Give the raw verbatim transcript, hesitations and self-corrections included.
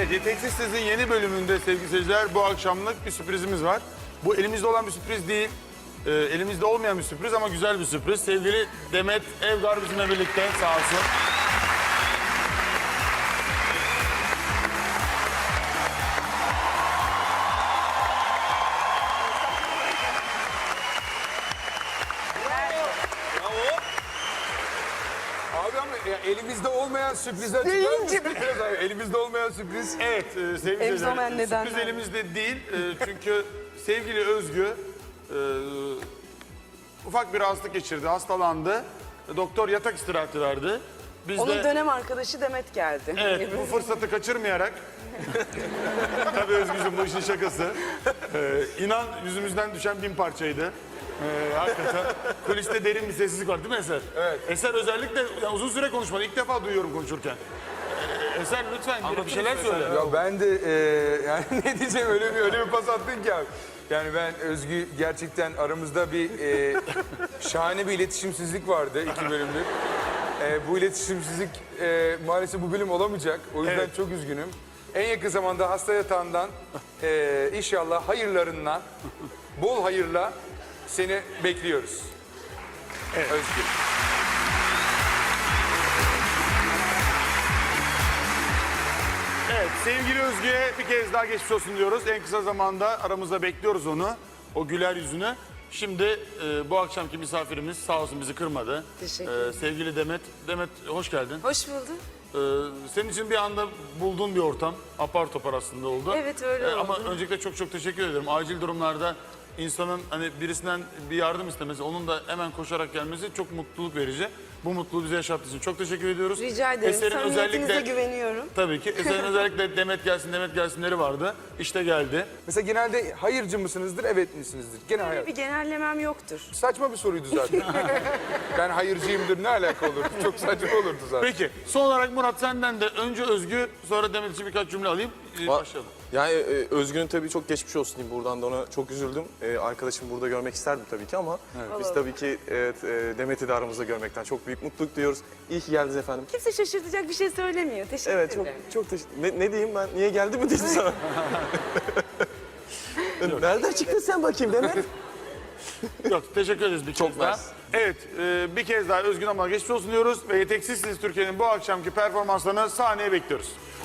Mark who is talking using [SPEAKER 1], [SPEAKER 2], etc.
[SPEAKER 1] Evet, Yeteneksizsiz'in yeni bölümünde sevgili seyirciler bu akşamlık bir sürprizimiz var. Bu elimizde olan bir sürpriz değil, e, elimizde olmayan bir sürpriz ama güzel bir sürpriz. Sevgili Demet Evgar bizimle birlikte, sağ olsun.
[SPEAKER 2] Abi ama ya elimizde olmayan sürprizler çıkar mısın? Biraz abi, elimizde olmayan sürpriz.
[SPEAKER 1] Evet, e, sevgili
[SPEAKER 3] Elimizde olmayan
[SPEAKER 1] seyirciler,
[SPEAKER 3] nedenler.
[SPEAKER 1] sürpriz elimizde değil. E, çünkü sevgili Özgü e, ufak bir hastalık geçirdi, hastalandı. Doktor yatak istirahati verdi. Biz
[SPEAKER 3] Onun
[SPEAKER 1] de...
[SPEAKER 3] dönem arkadaşı Demet geldi.
[SPEAKER 1] Evet, bu fırsatı kaçırmayarak, tabii Özgücüm bu işin şakası, ee, inan yüzümüzden düşen bin parçaydı. Ee, hakikaten kuliste derin bir sessizlik var değil mi Eser?
[SPEAKER 2] Evet.
[SPEAKER 1] Eser özellikle ya uzun süre konuşmadı, ilk defa duyuyorum konuşurken. Ee, Eser lütfen bir, bir şeyler söyle.
[SPEAKER 2] Ya ben de e, yani ne diyeceğim öyle bir öyle bir pas attın ki abi. Yani ben Özgü gerçekten aramızda bir e, şahane bir iletişimsizlik vardı iki bölümlük. E, bu iletişimsizlik e, maalesef bu bölüm olamayacak. O yüzden
[SPEAKER 1] Evet.
[SPEAKER 2] çok üzgünüm. En yakın zamanda hasta yatağından e, inşallah hayırlarından bol hayırla seni bekliyoruz.
[SPEAKER 1] Evet.
[SPEAKER 2] Özgür.
[SPEAKER 1] Evet, sevgili Özgü'ye bir kez daha geçmiş olsun diyoruz. En kısa zamanda aramızda bekliyoruz onu, o güler yüzünü. Şimdi e, bu akşamki misafirimiz sağ olsun bizi kırmadı.
[SPEAKER 3] Teşekkür
[SPEAKER 1] Ee, sevgili Demet, Demet hoş geldin.
[SPEAKER 3] Hoş bulduk.
[SPEAKER 1] Ee, senin için bir anda bulduğun bir ortam, apar topar aslında oldu.
[SPEAKER 3] Evet, öyle
[SPEAKER 1] Ama
[SPEAKER 3] oldu.
[SPEAKER 1] öncelikle çok çok teşekkür ederim. Acil durumlarda insanın hani birisinden bir yardım istemesi, onun da hemen koşarak gelmesi çok mutluluk verici. Bu mutluluğu bize yaşattığı için çok teşekkür ediyoruz.
[SPEAKER 3] Rica ederim.
[SPEAKER 1] Eser'in
[SPEAKER 3] Samimiyetinize güveniyorum.
[SPEAKER 1] Tabii ki. Eser'in özellikle Demet gelsin, Demet gelsinleri vardı. İşte geldi.
[SPEAKER 2] Mesela genelde hayırcı mısınızdır, evet misinizdir? Gene hayır.
[SPEAKER 3] Böyle bir genellemem yoktur.
[SPEAKER 2] Saçma bir soruydu zaten. Ben hayırcıyımdır ne alaka olurdu? Çok saçma olurdu zaten.
[SPEAKER 1] Peki, son olarak Murat senden de önce Özgü, sonra Demet için birkaç cümle alayım. Ee, Başlayalım.
[SPEAKER 4] Yani e, Özgün'ün tabii çok geçmiş olsun diyeyim. Buradan da ona çok üzüldüm. E, arkadaşımı burada görmek isterdim tabii ki ama biz tabii ki evet, e, Demet'i de aramızda görmekten çok büyük mutluluk duyuyoruz. İyi ki geldiniz efendim.
[SPEAKER 3] Kimse şaşırtacak bir şey söylemiyor. Teşekkür
[SPEAKER 4] Evet çok
[SPEAKER 3] ederim.
[SPEAKER 4] çok teşekkür ne, ne diyeyim ben? Niye geldi mi dedim sana? Nereden çıktın sen bakayım Demet?
[SPEAKER 1] Yok, teşekkür ederiz bir kez daha.
[SPEAKER 4] mersi.
[SPEAKER 1] Evet, e, bir kez daha Özgün Amal'a geçmiş olsun diyoruz ve Yeteneksizsiniz Türkiye'nin bu akşamki performanslarını sahneye bekliyoruz.